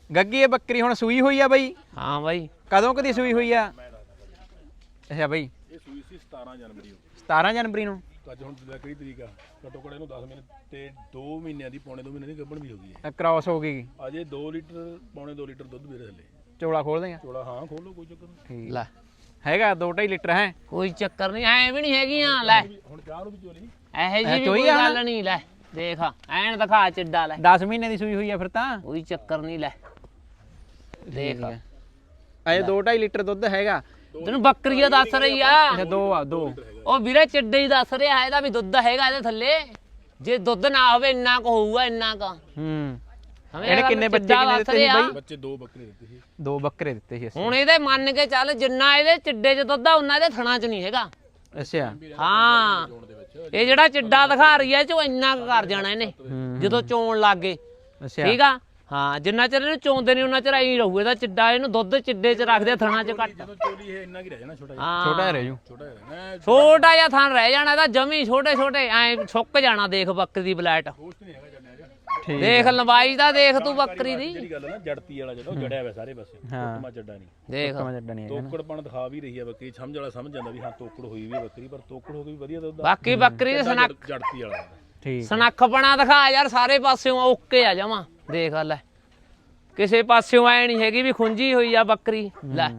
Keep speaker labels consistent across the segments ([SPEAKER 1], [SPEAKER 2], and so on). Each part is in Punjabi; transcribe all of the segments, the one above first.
[SPEAKER 1] ਗੱਗੀ ਇਹ ਬੱਕਰੀ ਹੁਣ ਸੂਈ ਹੋਈ ਆ ਬਈ?
[SPEAKER 2] ਹਾਂ ਬਾਈ।
[SPEAKER 1] ਕਦੋਂ ਕਦੀ ਸੂਈ ਹੋਈ ਆ? ਅੱਛਾ ਬਈ
[SPEAKER 3] ਇਹ ਸੂਈ ਸੀ 17 ਜਨਵਰੀ
[SPEAKER 1] 17 ਜਨਵਰੀ ਨੂੰ।
[SPEAKER 3] ਅੱਜ ਹੁਣ ਕਿਹੜੀ ਤਰੀਕ ਆ? ਘੱਟੋ ਘੱਟ ਇਹਨੂੰ 10 ਮਹੀਨੇ ਤੇ 2 ਮਹੀਨਿਆਂ ਦੀ ਪੌਣੇ 2 ਮਹੀਨੇ ਦੀ ਗੱਭਣ ਵੀ ਹੋ ਗਈ ਹੈ।
[SPEAKER 1] ਕ੍ਰਾਸ ਹੋ ਗਈ।
[SPEAKER 3] ਅਜੇ 2 ਲੀਟਰ ਪੌਣੇ 2 ਲੀਟਰ ਦੁੱਧ ਮੇਰੇ ਥੱਲੇ।
[SPEAKER 1] ਚੋਲਾ ਖੋਲ ਦੇਗਾ?
[SPEAKER 3] ਚੋਲਾ ਹਾਂ ਖੋਲੋ ਕੋਈ ਚੱਕਰ ਨਹੀਂ।
[SPEAKER 1] ਠੀਕ
[SPEAKER 2] ਲੈ
[SPEAKER 1] ਹੈਗਾ 2.5 ਲੀਟਰ ਹੈ।
[SPEAKER 2] ਕੋਈ ਚੱਕਰ ਨਹੀਂ, ਐ ਵੀ ਨਹੀਂ ਹੈਗੀਆਂ। ਲੈ
[SPEAKER 3] ਹੁਣ ਚਾਹ ਨੂੰ ਵੀ ਚੋਲੀ
[SPEAKER 2] ਇਹੋ ਜੀ ਵੀ ਕੋਈ ਗੱਲ ਨਹੀਂ। ਲੈ ਦੇਖ ਐਨ ਦਿਖਾ ਚਿੱਡਾ। ਲੈ
[SPEAKER 1] 10 ਮਹੀਨੇ ਦੀ ਸੂਈ ਹੋਈ ਆ ਫਿਰ ਤਾਂ।
[SPEAKER 2] ਕੋਈ ਚੱਕਰ ਨਹੀਂ। ਲੈ ਦੇਖ
[SPEAKER 1] ਅਜੇ 2.5 ਲੀਟਰ ਦੁੱਧ ਹੈਗਾ।
[SPEAKER 2] ਤੈਨੂੰ ਬੱਕਰੀਆਂ ਦੱਸ ਰਹੀ ਆ।
[SPEAKER 1] ਅੱਛਾ 2
[SPEAKER 2] ਉਹ ਵੀਰੇ ਚਿੱਡੇ ਹੀ ਦੱਸ ਰਿਹਾ, ਇਹਦਾ ਵੀ ਦੁੱਧ ਹੈਗਾ ਇਹਦੇ ਥੱਲੇ। ਜੇ ਦੁੱਧ ਨਾ ਹੋਵੇ ਇੰਨਾ ਕੁ ਹੋਊਗਾ, ਇੰਨਾ ਕੁ।
[SPEAKER 1] ਇਹਨੇ ਕਿੰਨੇ ਬੱਚੇ ਕਿੰਨੇ ਦਿੱਤੇ ਸੀ ਬਾਈ?
[SPEAKER 3] ਬੱਚੇ 2 ਬੱਕਰੇ ਦਿੱਤੇ ਸੀ।
[SPEAKER 1] 2 ਬੱਕਰੇ ਦਿੱਤੇ ਸੀ ਅਸੀਂ।
[SPEAKER 2] ਹੁਣ ਇਹਦੇ ਮੰਨ ਕੇ ਚੱਲ ਜਿੰਨਾ ਇਹਦੇ ਚਿੱਡੇ 'ਚ ਦੁੱਧ ਆ ਉਹਨਾਂ ਇਹਦੇ ਥਣਾ 'ਚ ਨਹੀਂ ਹੈਗਾ।
[SPEAKER 1] ਅੱਛਾ
[SPEAKER 2] ਹਾਂ ਇਹ ਜਿਹੜਾ ਚਿੱਡਾ ਦਿਖਾ ਰਹੀ ਹੈ ਚੋ ਇੰਨਾ ਕੁ ਕਰ ਜਾਣਾ ਇਹਨੇ ਜਦੋਂ ਚੋਣ ਲੱਗ ਗਏ।
[SPEAKER 1] ਅੱਛਾ
[SPEAKER 2] ਠੀਕ ਆ। ਹਾਂ ਜਿੰਨਾ ਚਿਰ ਇਹਨੂੰ ਚੋਂਦੇ ਨਹੀਂ ਉਹਨਾਂ ਚਿਰ ਐਂ ਰਹੂ ਇਹਦਾ ਚਿੱਡਾ। ਇਹਨੂੰ ਦੁੱਧ ਚਿੱਡੇ 'ਚ ਰੱਖਦੇ ਥਣਾ 'ਚ ਘੱਟ।
[SPEAKER 3] ਜਦੋਂ ਚੋਲੀ ਇਹ ਇੰਨਾ ਕੀ ਰਹਿ ਜਾਣਾ ਛੋਟਾ ਜਿਹਾ।
[SPEAKER 2] ਹਾਂ
[SPEAKER 1] ਛੋਟਾ ਰਹਿ ਜੂ।
[SPEAKER 3] ਛੋਟਾ ਰਹਿਣਾ
[SPEAKER 2] ਛੋਟਾ ਜਿਹਾ ਥਣ ਰਹਿ ਜਾਣਾ ਇਹਦਾ ਜਮੀ। ਛੋਟੇ ਛੋਟੇ ਐ ਸੁੱਕ ਜਾਣਾ। ਦੇਖ ਬੱਕਰੀ ਦੀ ਬਲੈਟ
[SPEAKER 3] ਦੋਸਤ ਨਹੀਂ ਹੈਗਾ ਜੰਨਿਆ ਜਾ।
[SPEAKER 1] ਠੀਕ
[SPEAKER 2] ਦੇਖ ਲੰਬਾਈ ਦਾ ਦੇਖ ਤੂੰ ਬੱਕਰੀ ਦੀ।
[SPEAKER 3] ਜਿਹੜੀ ਗੱਲ ਹੈ ਨਾ ਜੜਤੀ ਵਾਲਾ ਜਿਹੜਾ ਉਹ ਜੜਿਆ ਹੋਇਆ ਸਾਰੇ ਪਾਸੇ। ਟੁੱਟਮਾ ਚੱਡਾ ਨਹੀਂ।
[SPEAKER 2] ਦੇਖ
[SPEAKER 1] ਜੱਡਾ ਨਹੀਂ ਹੈਗਾ।
[SPEAKER 3] ਤੋਕੜਪਣ ਦਿਖਾ ਵੀ ਰਹੀ ਹੈ ਬੱਕਰੀ। ਸਮਝ ਵਾਲਾ ਸਮਝ ਜਾਂਦਾ ਵੀ ਹਾਂ ਤੋਕੜ ਹੋਈ ਵੀ ਬੱਕਰੀ, ਪਰ ਤੋਕੜ ਹੋ ਕੇ ਵੀ ਵਧੀਆ ਦੁੱਧ ਆ।
[SPEAKER 2] ਬਾਕੀ ਬੱਕਰੀ ਦੇ ਸਨੱਖ
[SPEAKER 3] ਜੜਤੀ ਵਾਲਾ
[SPEAKER 1] ਠੀਕ
[SPEAKER 2] ਸਨੱਖਪਣਾ ਦਿਖਾ ਯਾਰ ਸਾਰੇ ਪਾਸਿਓਂ ਓਕੇ ਆ ਜਾਵਾਂ। ਦੇਖ ਲੈ ਕਿਸੇ ਪਾਸਿਓਂ ਐ ਨਹੀਂ ਹੈਗੀ ਵੀ ਖੁੰਝੀ ਹੋਈ ਆ ਬੱਕਰੀ। ਲੈ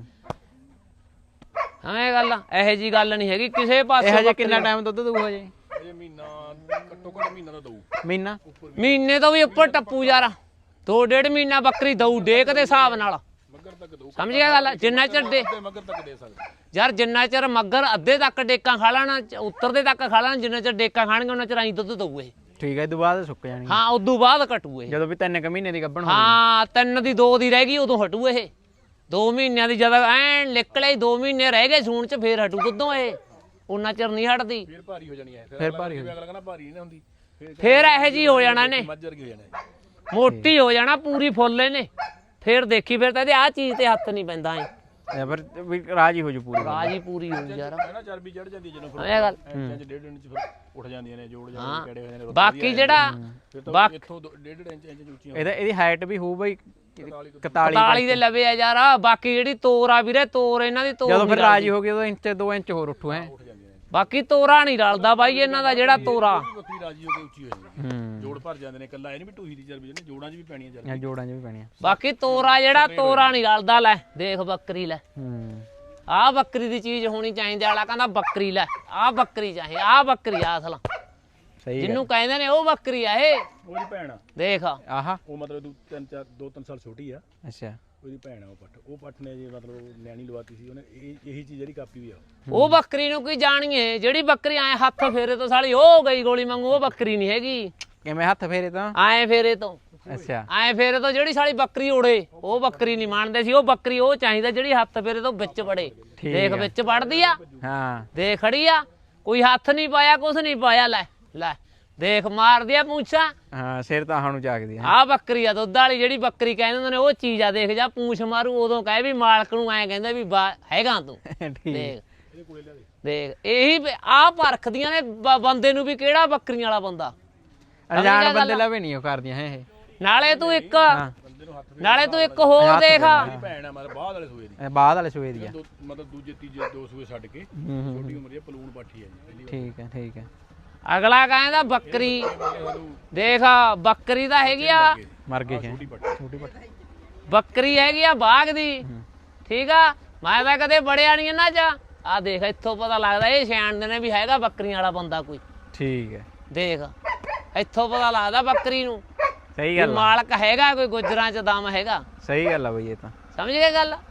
[SPEAKER 2] ਐਵੇਂ ਗੱਲ ਆ, ਇਹੋ ਜੀ ਗੱਲ ਨਹੀਂ ਹੈਗੀ ਕਿਸੇ ਪਾਸੇ।
[SPEAKER 1] ਇਹ ਹਜੇ ਕਿੰਨਾ ਟਾਈਮ ਦੁੱਧ ਦਊ ਹਜੇ?
[SPEAKER 3] ਇਹ ਮਹੀਨਾ ਘੱਟੋ ਘੱਟ ਮਹੀਨਾ ਦਾ ਦਊ।
[SPEAKER 1] ਮਹੀਨਾ?
[SPEAKER 2] ਮਹੀਨੇ ਤੋਂ ਵੀ ਉੱਪਰ ਟੱਪੂ ਯਾਰ। 2.5 ਮਹੀਨਾ ਬੱਕਰੀ ਦਊ ਡੇਕ ਦੇ ਹਿਸਾਬ ਨਾਲ।
[SPEAKER 3] ਮੱਗਰ ਤੱਕ ਦਊ।
[SPEAKER 2] ਸਮਝ ਗਿਆ ਗੱਲ? ਜਿੰਨਾ ਚਿਰ
[SPEAKER 3] ਮੱਗਰ ਤੱਕ ਦੇ ਸਕਦਾ
[SPEAKER 2] ਯਾਰ ਜਿੰਨਾ ਚਿਰ ਮੱਗਰ ਅੱਧੇ ਤੱਕ ਡੇਕਾਂ ਖਾ ਲੈਣਾ, ਉੱਤਰਦੇ ਤੱਕ ਖਾ ਲੈਣਾ, ਜਿੰਨਾ ਚਿਰ ਡੇਕਾਂ ਖਾਣਗੇ ਉਹਨਾਂ ਚਿਰ ਐਂ ਦੁੱਧ ਦਊ ਇਹ।
[SPEAKER 1] ਠੀਕ ਹੈ ਇਹ ਤੋਂ ਬਾਅਦ ਸੁੱਕ ਜਾਣੀ।
[SPEAKER 2] ਹਾਂ ਉਦੋਂ ਬਾਅਦ ਕਟੂ ਇਹ।
[SPEAKER 1] ਜਦੋਂ ਵੀ 3 ਮਹੀਨੇ ਦੀ ਗੱਭਣ ਹੋ
[SPEAKER 2] ਹਾਂ 3 ਦੀ 2 ਦੀ ਰਹਿ ਗਈ ਉਦੋਂ ਹਟੂ ਇਹ। 2 ਮਹੀਨਿਆਂ ਦੀ ਜਦ ਐਨ ਨਿਕਲੇ 2 ਮਹੀਨੇ ਰਹਿ ਗਏ ਸੂਣ ਚ ਫੇਰ ਹਟੂ ਦੁੱਧੋਂ ਇਹ। ਉਹਨਾਂ ਚਿਰ ਨਹੀਂ ਹਟਦੀ।
[SPEAKER 3] ਫਿਰ ਭਾਰੀ ਹੋ ਜਾਣੀ ਹੈ।
[SPEAKER 1] ਫਿਰ ਭਾਰੀ ਹੋ
[SPEAKER 3] ਅਗਲਾ ਕਹਿੰਦਾ ਭਾਰੀ ਨਹੀਂ ਹੁੰਦੀ।
[SPEAKER 2] ਫੇਰ ਇਹੋ ਜੀ ਹੋ ਜਾਣਾ ਇਹਨੇ।
[SPEAKER 3] ਮੱਝਰ ਕੀ ਹੋ ਜਾਣਾ।
[SPEAKER 2] ਮੋਟੀ ਹੋ ਜਾਣਾ ਪੂਰੀ ਫੁੱਲ ਇਹਨੇ। ਫੇਰ ਦੇਖੀ ਫਿਰ ਤਾਂ ਇਹਦੇ ਆਹ ਚੀਜ਼ ਤੇ ਹੱਥ ਨਹੀਂ ਪੈਂਦਾ ਐ।
[SPEAKER 1] ਫਿਰ ਵੀ ਰਾਜੀ ਹੋ ਜੂ ਪੂਰੀ।
[SPEAKER 2] ਰਾਜੀ ਪੂਰੀ ਹੋ ਯਾਰ।
[SPEAKER 3] ਹੈ ਨਾ ਚਰਬੀ ਚੜ ਜਾਂਦੀ ਜਦੋਂ ਫਿਰ
[SPEAKER 2] ਇਹ ਗੱਲ
[SPEAKER 3] 1.5 ਇੰਚ ਫਿਰ ਉੱਠ ਜਾਂਦੀਆਂ ਨੇ ਜੋੜ ਜਾਂਦੇ ਕਿਹੜੇ ਹੋਏ ਨੇ।
[SPEAKER 2] ਬਾਕੀ ਜਿਹੜਾ
[SPEAKER 3] ਇੱਥੋਂ 1.5 ਇੰਚ ਉੱਚੀਆਂ।
[SPEAKER 1] ਇਹਦੀ ਹਾਈਟ ਵੀ ਹੋਊ ਬਈ
[SPEAKER 2] 41 ਦੇ ਲਵੇ ਆ ਯਾਰ। ਬਾਕੀ ਜਿਹੜੀ ਤੋਰ ਆ ਵੀਰੇ, ਤੋਰ ਇਹਨਾਂ ਦੀ ਤੋਰ
[SPEAKER 1] ਜਦੋਂ ਫਿਰ ਰਾਜੀ ਹੋ ਗਈ ਉਦੋਂ ਇੰਚ 2 ਇੰਚ ਹੋਰ ਉੱਠੂ ਹੈ।
[SPEAKER 2] ਬਾਕੀ ਤੋਰਾ ਨਹੀਂ ਰਲਦਾ ਬਾਈ ਇਹਨਾਂ ਦਾ ਜਿਹੜਾ ਤੋਰਾ।
[SPEAKER 3] ਬੱਕਰੀ ਰਾਜੀ ਹੋ ਕੇ ਉੱਚੀ ਹੋ ਜਾਂਦੀ। ਜੋੜ ਭਰ ਜਾਂਦੇ ਨੇ। ਕੱਲਾ ਇਹ ਨਹੀਂ ਵੀ ਟੂਹੀ ਦੀ ਚਰਬੀ ਜਿਹੜੀ ਜੋੜਾਂ 'ਚ ਵੀ ਪੈਣੀਆਂ ਚਰਬੀ।
[SPEAKER 1] ਜੋੜਾਂ 'ਚ ਵੀ ਪੈਣੀਆਂ।
[SPEAKER 2] ਬਾਕੀ ਤੋਰਾ ਜਿਹੜਾ ਤੋਰਾ ਨਹੀਂ ਰਲਦਾ। ਲੈ ਦੇਖ ਬੱਕਰੀ ਲੈ। ਆਹ ਬੱਕਰੀ ਦੀ ਚੀਜ਼ ਹੋਣੀ ਚਾਹੀਦੀ। ਆਲਾ ਕਹਿੰਦਾ ਬੱਕਰੀ ਲੈ, ਆਹ ਬੱਕਰੀ ਚਾਹੇ, ਆਹ ਬੱਕਰੀ ਆ ਅਸਲ
[SPEAKER 1] ਸਹੀ
[SPEAKER 2] ਜਿਹਨੂੰ ਕਹਿੰਦੇ ਨੇ ਉਹ ਬੱਕਰੀ ਆ ਇਹ।
[SPEAKER 3] ਉਹਦੀ ਭੈਣ ਆ।
[SPEAKER 2] ਦੇਖ
[SPEAKER 1] ਆਹਾ
[SPEAKER 3] ਉਹ ਮਤਲਬ 2-3 ਸਾਲ ਛੋਟੀ ਆ।
[SPEAKER 1] ਅੱਛਾ
[SPEAKER 3] ਉਹਦੀ ਭੈਣ ਆ ਉਹ ਪੱਠ ਨੇ ਜੀ ਮਤਲਬ ਨਿਆਣੀ ਲਵਾਤੀ ਸੀ ਉਹਨੇ। ਇਹੀ ਚੀਜ਼ ਜਿਹੜੀ ਕਾਪੀ ਵੀ ਆ
[SPEAKER 2] ਉਹ ਬੱਕਰੀ ਨੂੰ ਕੀ ਜਾਣੀਏ। ਜਿਹੜੀ ਬੱਕਰੀ ਐ ਹੱਥ ਫੇਰੇ ਤੋਂ ਸਾਲੀ ਉਹ ਗਈ ਗੋਲੀ ਵਾਂਗੂ, ਉਹ ਬੱਕਰੀ ਨਹੀਂ ਹੈਗੀ।
[SPEAKER 1] ਕਿਵੇਂ ਹੱਥ ਫੇਰੇ ਤਾਂ?
[SPEAKER 2] ਐ ਫੇਰੇ ਤੋਂ।
[SPEAKER 1] ਅੱਛਾ
[SPEAKER 2] ਐ ਫੇਰੇ ਤੋਂ ਜਿਹੜੀ ਸਾਲੀ ਬੱਕਰੀ ਉੜੇ ਉਹ ਬੱਕਰੀ ਨਹੀਂ ਮੰਨਦੇ ਸੀ। ਉਹ ਬੱਕਰੀ ਉਹ ਚਾਹੀਦਾ ਜਿਹੜੀ ਹੱਥ ਫੇਰੇ ਤੋਂ ਵਿੱਚ ਵੜੇ। ਦੇਖ ਵਿੱਚ ਵੜਦੀ ਆ।
[SPEAKER 1] ਹਾਂ
[SPEAKER 2] ਦੇਖ ਖੜੀ ਆ, ਕੋਈ ਹੱਥ ਨਹੀਂ ਪਾਇਆ, ਕੁਛ ਨਹੀਂ ਪਾਇਆ। ਲੈ ਲੈ ਦੇਖ ਮਾਰਦੀ ਆ ਪੂੰਛਾਂ।
[SPEAKER 1] ਹਾਂ ਸਿਰ ਤਾਂ ਸਾਨੂੰ ਝਾਕਦੀ ਆ।
[SPEAKER 2] ਆਹ ਬੱਕਰੀ ਆ ਦੁੱਧ ਵਾਲੀ ਜਿਹੜੀ ਬੱਕਰੀ ਕਹਿੰਦੇ ਹੁੰਦੇ ਨੇ ਉਹ ਚੀਜ਼ ਆ। ਦੇਖ ਜਾ ਪੂੰਛ ਮਾਰੂ ਉਦੋਂ ਕਹੇ ਵੀ ਮਾਲਕ ਨੂੰ ਐ ਕਹਿੰਦਾ ਵੀ ਹੈਗਾ ਤੂੰ। ਦੇਖ ਦੇਖ ਇਹੀ ਆਹ ਪਰਖਦੀਆਂ ਨੇ ਬੰਦੇ ਨੂੰ ਵੀ ਕਿਹੜਾ ਬੱਕਰੀਆਂ ਵਾਲਾ ਬੰਦਾ।
[SPEAKER 1] ਅਣਜਾਣ ਬੰਦੇ ਲਵੇ ਨਹੀਂ ਉਹ ਕਰਦੀਆਂ ਹੈ ਇਹ।
[SPEAKER 2] ਨਾਲੇ ਤੂੰ ਇੱਕ ਹੋਰ ਦੇਖ।
[SPEAKER 3] ਭੈਣ ਆ ਮਤਲਬ ਬਾਅਦ ਵਾਲੇ ਸੂਏ ਦੀ।
[SPEAKER 1] ਬਾਅਦ ਵਾਲੇ ਸੂਏ ਦੀ ਆ।
[SPEAKER 3] ਮਤਲਬ ਦੂਜੇ ਤੀਜੇ 2 ਸੂਏ ਛੱਡ ਕੇ ਛੋਟੀ ਉਮਰ ਦੀ ਪਲੂਣ ਪਾਠੀ ਆ ਜੀ।
[SPEAKER 1] ਠੀਕ ਹੈ ਠੀਕ ਹੈ।
[SPEAKER 2] ਅਗਲਾ ਕਹਿੰਦਾ ਬੱਕਰੀ ਦੇਖ ਬੱਕਰੀ ਤਾਂ ਹੈਗੀ ਆ
[SPEAKER 1] ਮਰ ਗਏ
[SPEAKER 3] ਛੋਟੀ ਪੱਠ।
[SPEAKER 2] ਬੱਕਰੀ ਹੈਗੀ ਆ ਬਾਗ ਦੀ। ਠੀਕ ਆ ਮੈਂ ਤਾਂ ਕਦੇ ਬੜਿਆ ਨਹੀਂ ਇਹਨਾਂ ਚ। ਆ ਦੇਖ ਇੱਥੋਂ ਪਤਾ ਲੱਗਦਾ ਇਹ ਸਿਆਣਦੇ ਨੇ ਵੀ ਹੈਗਾ ਬੱਕਰੀਆਂ ਵਾਲਾ ਬੰਦਾ ਕੋਈ।
[SPEAKER 1] ਠੀਕ ਹੈ
[SPEAKER 2] ਦੇਖ ਇੱਥੋਂ ਪਤਾ ਲੱਗਦਾ ਬੱਕਰੀ ਨੂੰ
[SPEAKER 1] ਸਹੀ ਗੱਲ
[SPEAKER 2] ਮਾਲਕ ਹੈਗਾ ਕੋਈ। ਗੁੱਜਰਾਂ ਚ ਦਮ ਹੈਗਾ।
[SPEAKER 1] ਸਹੀ ਗੱਲ ਆ ਬਈ ਇਹ ਤਾਂ।
[SPEAKER 2] ਸਮਝ ਗਏ ਗੱਲ?